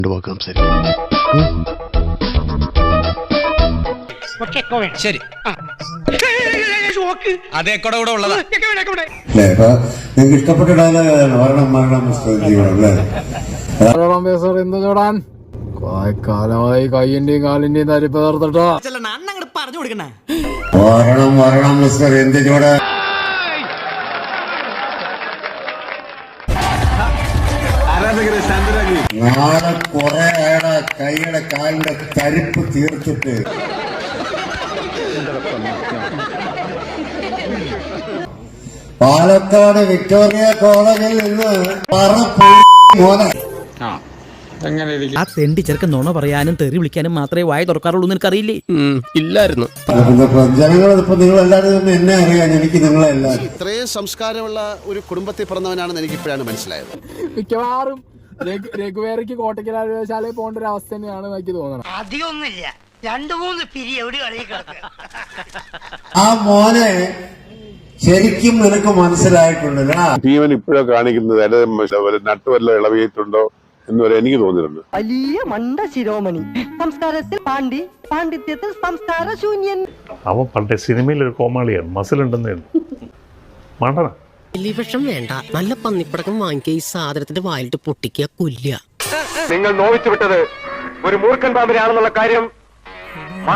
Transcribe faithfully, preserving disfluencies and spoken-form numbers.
ശരി, അതെ കൂടെ കൂടെ ഉള്ളതാ. നിങ്ങൾക്ക് ഇഷ്ടപ്പെട്ട ഡയലോഗാണ് മരണം മരണം എന്ത് ചോടാൻ കാലമായി കയ്യിന്റെയും കാലിന്റെയും തരിപ്പ് തീർത്തിട്ടോ പറഞ്ഞു കൊടുക്കണേ. മരണം മരണം മിസ്റ്റർ എന്ത് ചോടാൻ. നാളെ കുറെ അയാളെ കൈയുടെ കാലിന്റെ തരിപ്പ് തീർത്തിട്ട് പാലക്കാട് വിക്ടോറിയ കോളേജിൽ നിന്ന് ആ തെണ്ടി ചെറുക്കൻ നുണ പറയാനും തെറി വിളിക്കാനും മാത്രമേ വായ തുറക്കാറുള്ളൂ എന്ന് എനിക്കറിയില്ലേ? ഇല്ലായിരുന്നു. ജനങ്ങളിപ്പോ നിങ്ങൾ എല്ലാവരും എന്നെ അറിയാൻ എനിക്ക് നിങ്ങളെ എല്ലാവരും. ഇത്രയും സംസ്കാരമുള്ള ഒരു കുടുംബത്തിൽ പിറന്നവനാണെന്ന് എനിക്ക് ഇപ്പോഴാണ് മനസ്സിലായത്. മിക്കവാറും രഘുവേരയ്ക്ക് കോട്ടയ്ക്കലാശാലയിൽ പോകേണ്ട ഒരു അവസ്ഥ തന്നെയാണ് എനിക്ക് തോന്നണം. അധികമൊന്നുമില്ല, രണ്ടു മൂന്ന് പിരി എവിടെ ആ മോനെ ശരിക്കും നിനക്ക് മനസ്സിലായിട്ടുണ്ട്. ഭീമൻ ഇപ്പോഴോ കാണിക്കുന്നത് നട്ടുവല്ല ഇളവിയിട്ടുണ്ടോ എന്നുവരെ എനിക്ക് തോന്നിയിട്ടുണ്ട്. വലിയ മണ്ട ശിരോമണി, സംസ്കാരത്തിൽ പാണ്ഡി, പാണ്ഡിത്യത്തിൽ സംസ്കാര ശൂന്യൻ. അവൻ പണ്ടേ സിനിമയിൽ ഒരു കോമാളിയാണ്, മസിലുണ്ടെന്ന് മണ്ടന. വിഷം വേണ്ട, നല്ല പന്നിപ്പടക്കം വാങ്ങിക്കുക, ഈ സാധനത്തിന്റെ വായിലിട്ട് പൊട്ടിക്കുക, കൊല്ലുക. നിങ്ങൾ നോവിച്ചു വിട്ടത് ഒരു മൂർഖൻ പാമ്പിനാണെന്നുള്ള കാര്യം